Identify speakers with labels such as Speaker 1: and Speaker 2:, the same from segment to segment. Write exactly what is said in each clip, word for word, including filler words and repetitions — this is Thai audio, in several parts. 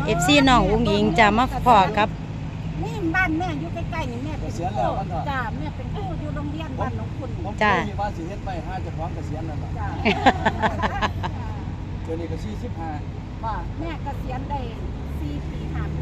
Speaker 1: เอฟซีน้องอุ้งอิงจะมาพอกับ
Speaker 2: นี่บ้านแม่อยู่ใกล้ๆนี่แม่เป็นครูจ้าแม่เป็นครูอยู่โรงเรียนบ้านหนองคุณ
Speaker 1: จ้า
Speaker 3: ว่าสิเฮ็ดไปห้าจะพร้อมเกษียณนั่นแหละจ้าเดี๋ยวนี้ก็สี่สิบห้า
Speaker 2: ว่าแม่เกษียณได้สี่ปีห้าปี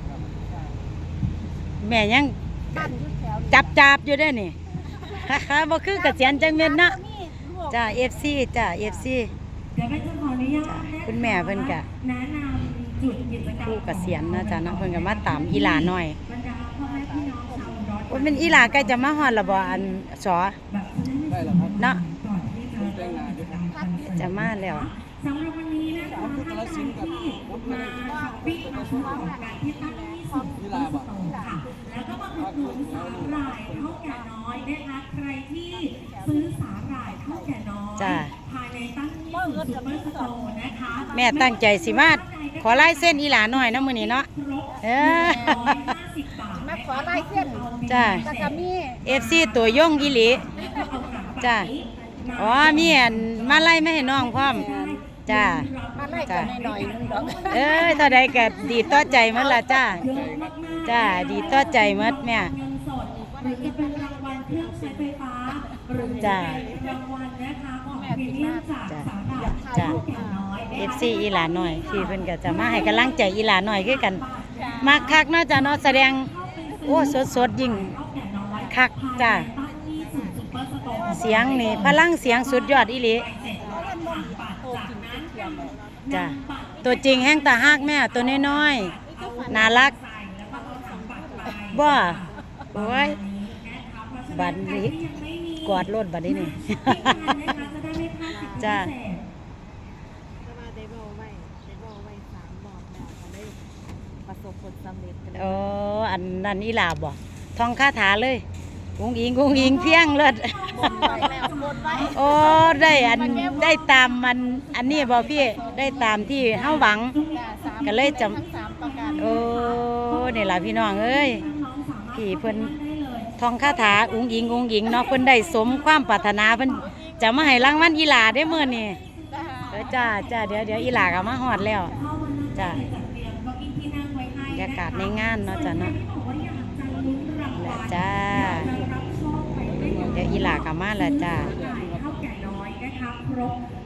Speaker 1: แม่ยังจับจับอยู่ได้นี่บ่คือเกษียณจังเม็ดนะจ้า เอฟ ซี จ้า เอฟ ซี
Speaker 4: เดี๋ยวแม่จะขออนุญาต
Speaker 1: คุณแม่เพิ่นก็
Speaker 4: แนะนำจุดกิจกรรม
Speaker 1: ผู้เกษียณนะจ้านะเพิ่นก็มาตามอีหลาน้อย
Speaker 4: บรรดาพ่อแม่พี่น้องชาวร้อน
Speaker 1: ว่าเป็นอีหลาใกล้จะมาฮอดแล้วบ่อันสอ
Speaker 3: ได้แล้วครับ
Speaker 1: เนาะ
Speaker 4: ก่อนที่จะเริ่มกิจกรรมกัน
Speaker 1: จะมาแล้ว
Speaker 4: สำหรับวันนี้นะคะท่านที่มาช้อปปิ้งมาช่วยของการที่ตั้งที่สุดที่สุดค่ะแล้วก็มาอุดหนุนสาหร่ายเท่าแก่น้อยนะคะใครที่ซื้อสาหร่ายเท่าแก่น้อยภายในตั้งที่สุดซุปเปอร์สโตร์นะคะ
Speaker 1: แม่ตั้งใจสิมาขอลายเส้นอีหลาน้อยเนาะมื้อนี้เนาะเออ
Speaker 2: มาขอลายเส้น
Speaker 1: จ้า
Speaker 2: แล้วก็มี
Speaker 1: เอฟ ซี ตัวยงอีหลีจ้าอ๋อมีอันมาไล่ไม่ให้น้องพร้อมจ้า
Speaker 2: มาไล่กันหน่อยนึงดอก
Speaker 1: เอ้ยเท่าใดก็ดีต่อใจหมดล่ะจ้าจ้าดีต่อใจหมดแม่
Speaker 4: หรือจะเป็นรางวัลเครื่องใช้ไฟฟ้าหรือจะเป็นรางวัลนะคะของพรีเมียมจากสาขา
Speaker 1: จ้า เอฟ ซี อีหลาน้อยที่เพิ่นก็จะมาให้กำลังใจอีหลาน้อยคือกันมักคักเนาะจ้าเนาะแสดงโอ้สดๆยิ่งคักจ้าเสียงนี่พลังเสียงสุดยอดอีหลีจ้าตัวจริงแห้งตาฮักแม่ตัวน้อยๆน่ารักบ่โอ้ยบัดนี้กอดรถบัดนี้นี่จ้าโอ้อันนั้นอีหลาบ่ท่องคาถาเลยกุ้งอิงกุ้งอิงเพียงเลิศโอ้ได้อันได้ตามมันอันนี้บ่พี่ได้ตามที่เฮาหวังก็เลยจำโอ้นี่ล่ะพี่น้องเอ้ยพี่เพิ่นท่องคาถาอุ้งอิงอุ้งอิงเนาะเพิ่นได้สมความปรารถนาเพิ่นจะมาให้รางวัลอีหลาได้มื้อนี้เออจ้าจ้าเดี๋ยวเดี๋ยวอีหลาก็มาฮอดแล้วจ้าบรรยากาศในงานเนาะจ้าเนาะแล้วจ้าเดี๋ยวอีหลากลับมาแล้วจ้า
Speaker 4: เท่าแก่น้อยนะคะครบ